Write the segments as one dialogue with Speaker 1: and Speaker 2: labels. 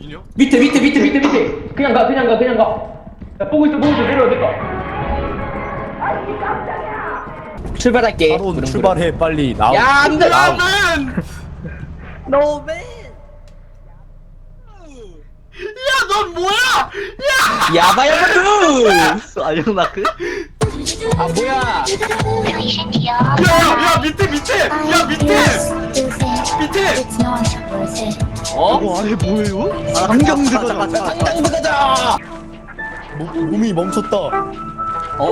Speaker 1: 어디냐?
Speaker 2: 밑에 그냥 가 야, 보고 있어 내려와 출발할게.
Speaker 3: 바로 출발해 빨리 나와.
Speaker 2: 야 안돼.
Speaker 1: 야맨!
Speaker 2: 노맨.
Speaker 1: 야넌 뭐야?
Speaker 2: 야바야바두.
Speaker 4: 아영나크?
Speaker 2: 아 뭐야?
Speaker 1: 야야야 밑에!
Speaker 2: 어?
Speaker 4: 아니 뭐예요? 안경 들어가.
Speaker 2: 당장 가자.
Speaker 3: 몸이 멈췄다.
Speaker 2: 어?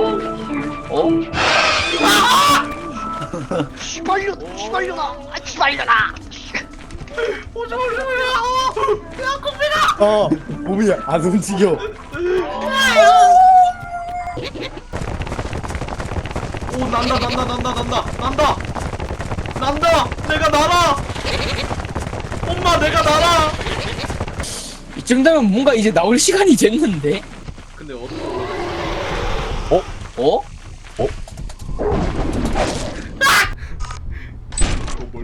Speaker 4: 시발려나.
Speaker 3: 몸이 안 움직여.
Speaker 1: 오 난다 내가 날아. 엄마 내가 날아.
Speaker 2: 이 정도면 뭔가 이제 나올 시간이 됐는데.
Speaker 1: 근데
Speaker 2: 어?
Speaker 1: 뭘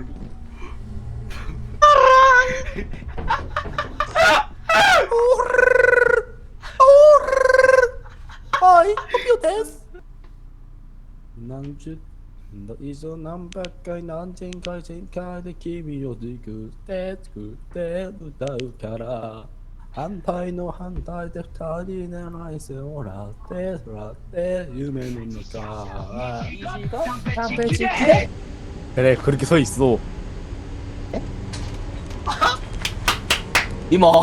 Speaker 3: 아이 커피오 데스. 난주 너 이제 난 바깥 난 쟁가쟁가의 kimiよりくて歌うから反対の反対で二人でないせおらって夢の中 그래 그렇게 서 있어.
Speaker 2: 니마.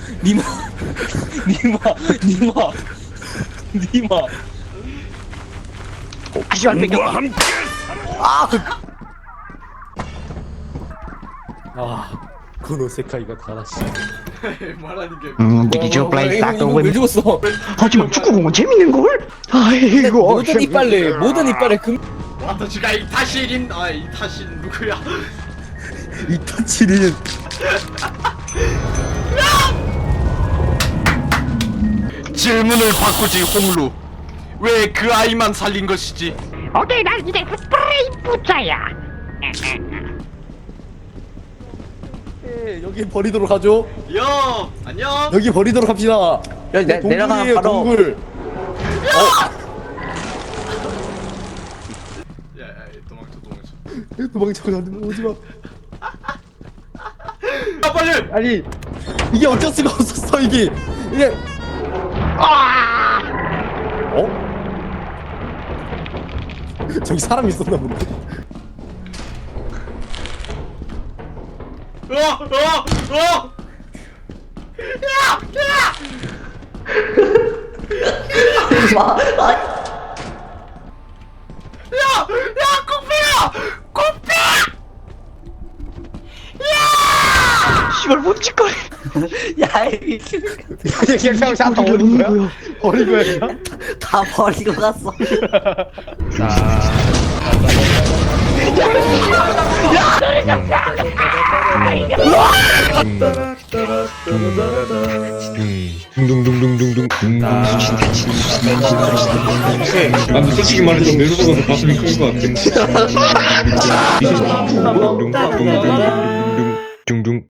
Speaker 4: 아시발 뺏겨.
Speaker 3: 그노 세카이가 다라시.
Speaker 1: 말하는 게
Speaker 4: 미디어 플레이
Speaker 2: 이거 왜 죽었어?
Speaker 4: 하지만 축구공은 재밌는 걸. 아이고.
Speaker 2: 모든 이빨래 금.
Speaker 1: 와타시가 이타시린 이타신 누구야?
Speaker 3: 이타치린
Speaker 1: 질문을 바꾸지 홍루. 왜 그 아이만 살린 것이지?
Speaker 5: 오케이, 난 이제 스프레이 부자야.
Speaker 3: 여기 버리도록 하죠.
Speaker 1: 여 안녕.
Speaker 3: 여기 버리도록 합시다.
Speaker 2: 여기 내려가면
Speaker 3: 동굴이에요,
Speaker 2: 바로.
Speaker 3: 동굴.
Speaker 1: 야 도망쳐.
Speaker 3: 도망쳐 가지고 오지 마.
Speaker 1: 야 빨리.
Speaker 3: 아니 이게 어쩔 수가 없었어 이게. 어? 저기 사람 있었나 본데.
Speaker 4: 시발 못 찍걸.
Speaker 2: 야 이.
Speaker 3: 그냥 다 버린 거야? 버린 거야 그냥?
Speaker 2: 다 버리고 갔어.
Speaker 6: 난 솔직히 말해서 메로소가 더 가슴이 큰 것 같아. 둥둥